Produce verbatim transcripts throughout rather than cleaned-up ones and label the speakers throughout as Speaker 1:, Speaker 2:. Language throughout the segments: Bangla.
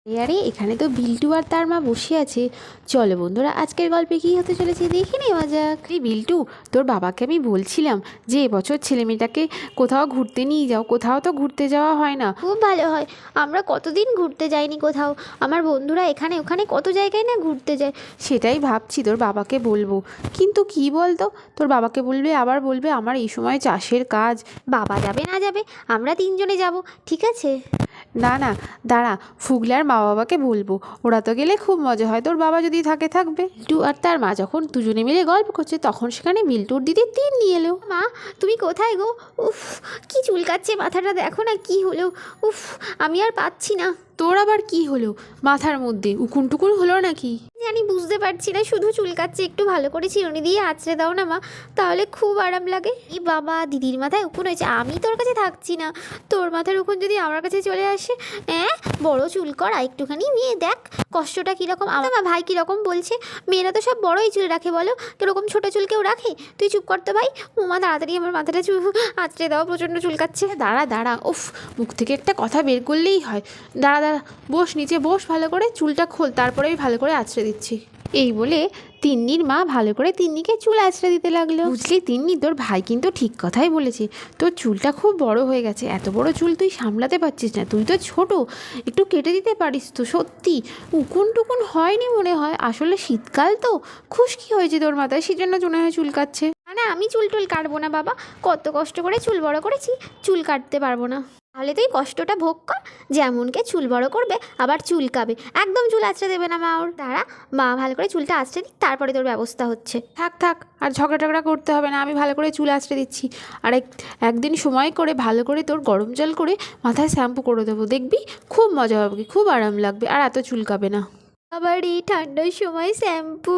Speaker 1: আরে এখানে তো বিল্টু আর তার মা বসে আছে। চলো বন্ধুরা, আজকের গল্পে কী হতে চলেছে দেখে নেওয়া যাক। এই বিল্টু, তোর বাবাকে আমি বলছিলাম যে এবছর ছেলে মেয়েটাকে কোথাও ঘুরতে নিয়ে যাও, কোথাও তো ঘুরতে যাওয়া হয় না।
Speaker 2: খুব ভালো হয়, আমরা কতদিন ঘুরতে যাইনি কোথাও। আমার বন্ধুরা এখানে ওখানে কত জায়গায় না ঘুরতে যায়।
Speaker 1: সেটাই ভাবছি তোর বাবাকে বলবো, কিন্তু কি বলতো, তোর বাবাকে বলবে আবার বলবে আমার এই সময় চাষের কাজ।
Speaker 2: বাবা যাবে না যাবে, আমরা তিনজনে যাব, ঠিক আছে?
Speaker 1: না না, দাঁড়া, ফুগলার মা বাবাকে বলবো, ওরা তো গেলে খুব মজা হয়, তোর বাবা যদি থাকে থাকবে। বিল্টু আর তার মা যখন দুজনে মিলে গল্প করছে তখন সেখানে বিল্টুর দিদি তিন নিয়ে এলো।
Speaker 2: মা তুমি কোথায় গো? উফ, কি চুলকাচ্ছে মাথাটা, দেখো না কি হলো। উফ, আমি আর পাচ্ছি না।
Speaker 1: তোর আবার কি হলো মাথার মধ্যে, উকুন টুকুন হলো নাকি?
Speaker 2: জানি, বুঝতে পারছি না, শুধু চুলকাচ্ছে। একটু ভালো করে চিরুনি দিয়ে আঁচড়ে দাও না মা, তাহলে খুব আরাম লাগে। এই বাবা, দিদির মাথায় উকুন হয়েছে, আমি তোর কাছে থাকছি না। তোর মাথার উকুন যদি আমার কাছে চলে আসে, হ্যাঁ বড় চুল করা একটুখানি, মেয়ে দেখ কষ্টটা কীরকম। আমার ভাই কীরকম বলছে, মেয়েরা তো সব বড়ই চুল রাখে, বলো কীরকম ছোটো চুল কেউ রাখে? তুই চুপ করতো ভাই। উমা, তাড়াতাড়ি আমার মাথাটা চুল আঁচড়ে দাও, প্রচণ্ড চুলকাচ্ছে।
Speaker 1: দাঁড়া দাঁড়া, উফ, মুখ থেকে একটা কথা বের করলেই হয়। দাঁড়া দাঁড়া, বস নিচে বস, ভালো করে চুলটা খোল, তারপরে আমি ভালো করে আঁচড়ে দিচ্ছি। এই বলে তিন্নির মা ভালো করে তিন্নিকে চুল আঁচড়ে দিতে লাগলো। বুঝলি তিন্নি, তোর ভাই কিন্তু ঠিক কথাই বলেছে, তোর চুলটা খুব বড় হয়ে গেছে, এত বড় চুল তুই সামলাতে পারছিস না, তুই তো ছোট, একটু কেটে দিতে পারিস তো। সত্যি উকুন টুকুন হয়নি মনে হয়, আসলে শীতকাল তো খুশকি হয়েছে তোর মাথায়, সেজন্য মনে হয় চুল কাটছে।
Speaker 2: না না, আমি চুল টুল কাটবো না বাবা, কত কষ্ট করে চুল বড় করেছি, চুল কাটতে পারবো না। তাহলে তুই কষ্টটা ভোগ কর, যেমনকে চুল বড় করবে আবার চুলকাবে, একদম চুল আঁচড়ে দেবে না মা ওর। দাঁড়া, মা ভালো করে চুলটা আঁচড়ে দিই, তারপরে তোর ব্যবস্থা হচ্ছে।
Speaker 1: থাক থাক, আর ঝগড়া টগড়া করতে হবে না, আমি ভালো করে চুল আঁচড়ে দিচ্ছি। আর এক একদিন সময় করে ভালো করে তোর গরম জল করে মাথায় শ্যাম্পু করে দেবো, দেখবি খুব মজা হবে, খুব আরাম লাগবে, আর এত চুলকাবে না।
Speaker 2: আবার এই ঠান্ডার সময় শ্যাম্পু,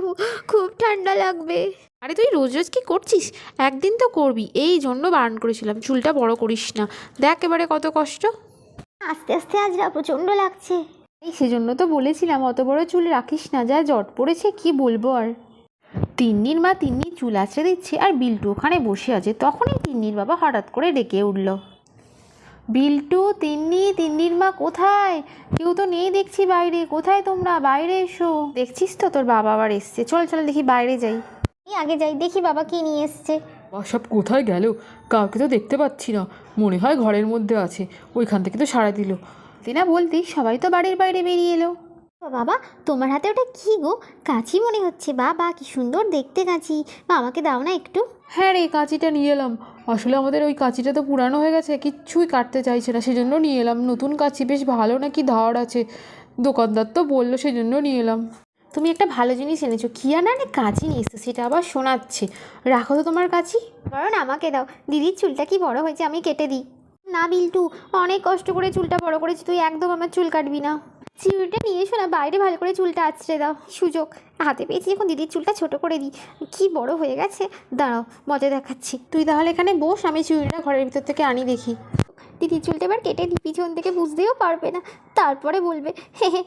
Speaker 2: খুব ঠান্ডা লাগবে।
Speaker 1: আরে তুই রোজ রোজ কি করছিস, একদিন তো করবি, এই জন্য বারণ করেছিলাম চুলটা বড় করিস না, দেখ এবারে কত কষ্ট।
Speaker 2: আস্তে আস্তে আজরা প্রচণ্ড লাগছে।
Speaker 1: এই সেজন্য তো বলেছিলাম অত বড় চুল রাখিস না, যা জট পড়েছে কি বলবো আর। তিন্নির মা তিন্নি চুল আঁচড়ে দিচ্ছে আর বিল্টু ওখানে বসে আছে, তখনই তিন্নির বাবা হঠাৎ করে ডেকে উঠল, বিল্টু, তিন্নি, তিন্নির মা কোথায়? কেউ তো নেই দেখছি বাইরে, কোথায় তোমরা, বাইরে এসো। দেখছিস তো তোর বাবা আবার এসছে, চল চল দেখি বাইরে যাই।
Speaker 2: এই আগে যাই, দেখি বাবা কি নিয়ে এসছে।
Speaker 3: সব কোথায় গেল, কাউকে তো দেখতে পাচ্ছি না, মনে হয় ঘরের মধ্যে আছে, ওইখান থেকে তো সাড়া দিল।
Speaker 1: না বলতেই সবাই তো বাড়ির বাইরে বেরিয়ে এলো।
Speaker 2: বাবা, তোমার হাতে ওটা কি গো? কাঁচি মনে হচ্ছে, বাবা কি সুন্দর দেখতে কাঁচি, মা আমাকে দাও না একটু।
Speaker 3: হ্যাঁ রে, কাঁচিটা নিয়ে এলাম, আসলে আমাদের ওই কাঁচিটা তো পুরানো হয়ে গেছে, কিচ্ছুই কাটতে চাইছে না, সেজন্য নিয়ে এলাম। নতুন কাঁচি বেশ ভালো নাকি ধার আছে, দোকানদার তো বললো, সেজন্য নিয়ে এলাম।
Speaker 1: তুমি একটা ভালো জিনিস এনেছো, কি আর না কাঁচি নিয়ে এসছো, সেটা আবার শোনাচ্ছে, রাখো তো তোমার কাঁচি।
Speaker 2: বরং আমাকে দাও, দিদির চুলটা কি বড় হয়েছে, আমি কেটে দিই। না বিল্টু, অনেক কষ্ট করে চুলটা বড় করেছি, তুই একদম আমার চুল কাটবি না। চুলটা নিয়ে এসো না, বাইরে ভালো করে চুলটা আঁচড়ে দাও। সুযোগ হাতে পেয়েছি এখন, দিদির চুলটা ছোট করে দিই, কি বড় হয়ে গেছে। দাঁড়াও, মজা দেখাচ্ছি।
Speaker 1: তুই তাহলে এখানে বস, আমি চুড়িটা ঘরের ভিতর থেকে আনি দেখি।
Speaker 2: দিদির চুলটা এবার কেটে দিই, পিছন থেকে বুঝতেও পারবে না, তারপরে বলবে হে হে।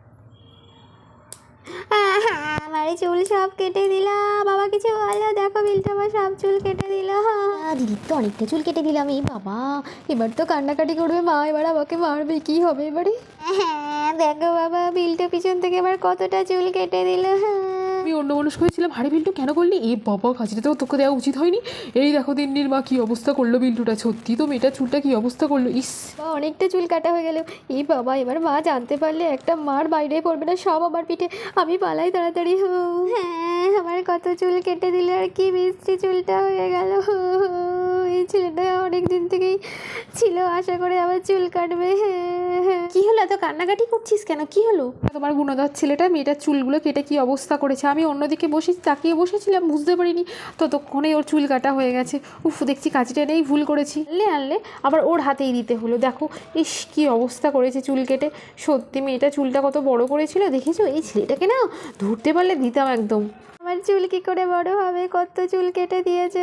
Speaker 2: আমার চুল সব কেটে দিলাম, বাবা কিছু বলো, দেখো বিলটা আমার সব চুল কেটে দিল। দিদির তো অনেকটা চুল কেটে দিলাম, এই বাবা এবার তো কান্নাকাটি করবে মা, এবার আমাকে মারবে, কি হবে এবারে? হ্যাঁ দেখো বাবা, বিলটা পিছন থেকে এবার কতটা চুল কেটে দিল।
Speaker 3: আমি অন্য মানুষ হয়েছিলাম, হাড়ি বিল্টু কেন করলি? এ বাবা, কাঁচিটা তো তোকে দেওয়া উচিত হয়নি। এই দেখো তিন্নির মা কী অবস্থা করলো বিল্টুটা, সত্যি তো মেয়েটার চুলটা কী অবস্থা করলো, ইস।
Speaker 2: বা অনেকটা চুল কাটা হয়ে গেল, এই বাবা এবার মা জানতে পারলে একটা মার বাইরে পড়বে না, সব আমার পিঠে, আমি পালাই তাড়াতাড়ি। হ্যাঁ, আমার কত চুল কেটে দিল, আর কি মিষ্টি চুলটা হয়ে গেল। এই ছেলেটা অনেক দিন থেকেই ছিল, আশা করে আবার চুল কাটবে। হ্যাঁ,
Speaker 1: কি হলো, এত কান্নাকাটি করছিস কেন, কি হলো?
Speaker 3: তোমার গুণদার ছেলেটা মেয়েটার চুলগুলো কেটে কী অবস্থা করেছে, আমি অন্যদিকে বসে তাকিয়ে বসেছিলাম, বুঝতে পারিনি ততক্ষণে ওর চুল কাটা হয়ে গেছে। উফ, দেখছি কাঁচিটা নেই, ভুল করেছি। আনলে আনলে আবার ওর হাতেই দিতে হলো, দেখো ইস কী অবস্থা করেছে চুল কেটে। সত্যি মেয়েটা চুলটা কত বড় করেছিল, দেখেছো? এই ছেলেটাকে না ধরতে পারলে দিতাম একদম।
Speaker 2: আমার চুল কি করে বড় হবে, কত চুল কেটে দিয়েছে।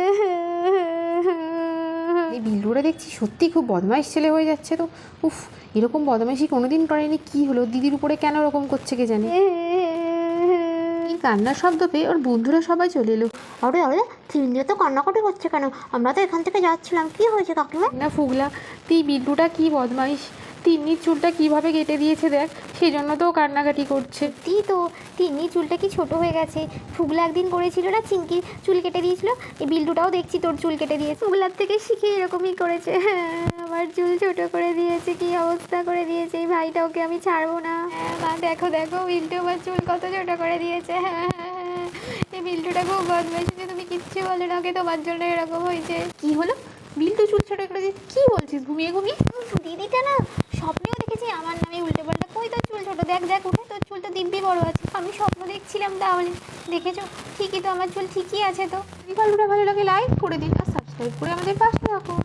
Speaker 1: এই বিল্লুরা দেখছি সত্যি খুব বদমাইশ ছেলে হয়ে যাচ্ছে তো। উফ, এরকম বদমাইশি কোনোদিন করেনি, কি হলো দিদির উপরে কেন এরকম করছে কে জানে। এই কান্নার শব্দ পেয়ে ওর বন্ধুরা সবাই চলে এলো।
Speaker 2: আরে আরে, তিনজন তো কান্নাকাটি করছে কেন? আমরা তো এখান থেকে যাচ্ছিলাম, কি হয়েছে কাকিমা?
Speaker 1: না ফুগলা, তুই বিল্লুটা কি বদমাইশ,
Speaker 3: তিন্নির চুলটা কিভাবে কেটে দিয়েছে দেখ, সেই জন্য তো ও কান্নাকাটি করছে।
Speaker 2: সত্যি তো, তিন্নির চুলটা কি ছোট হয়ে গেছে। ফুগলা একদিন করেছিল না, চিঙ্কির চুল কেটে দিয়েছিল, এই বিল্টুটাও দেখছি তোর চুল কেটে দিয়েছে। ফুগলার থেকে শিখে এরকমই করেছে। হ্যাঁ, আমার চুল ছোট করে দিয়েছে, কি অবস্থা করে দিয়েছে এই ভাইটা, ওকে আমি ছাড়বো না। হ্যাঁ মা, দেখো দেখো বিল্টু আমার চুল কত ছোট করে দিয়েছে। হ্যাঁ হ্যাঁ হ্যাঁ, এই বিল্টুটা খুব বদমাইশ, যে তুমি কিচ্ছু বলে না, ওকে তোমার জন্য এরকম হয়েছে।
Speaker 3: কি হলো? বিল্টু চুল ছোট করে দিয়েছে? কী বলছিস ঘুমিয়ে ঘুমিয়ে?
Speaker 2: উফ, দিদিটা না স্বপ্নেও দেখেছি আমার নামে উল্টো পাল্টা। কই তোর চুল ছোট, দেখ দেখ উঠে, তোর চুল তো দিব্যি বড় আছে। আমি স্বপ্ন দেখছিলাম তাহলে, দেখেছো ঠিকই তো, আমার চুল ঠিকই আছে তো।
Speaker 3: যদি গল্পটা ভালো লাগে লাইক করে দিন আর সাবস্ক্রাইব করে আমাদের পাশে রাখুন।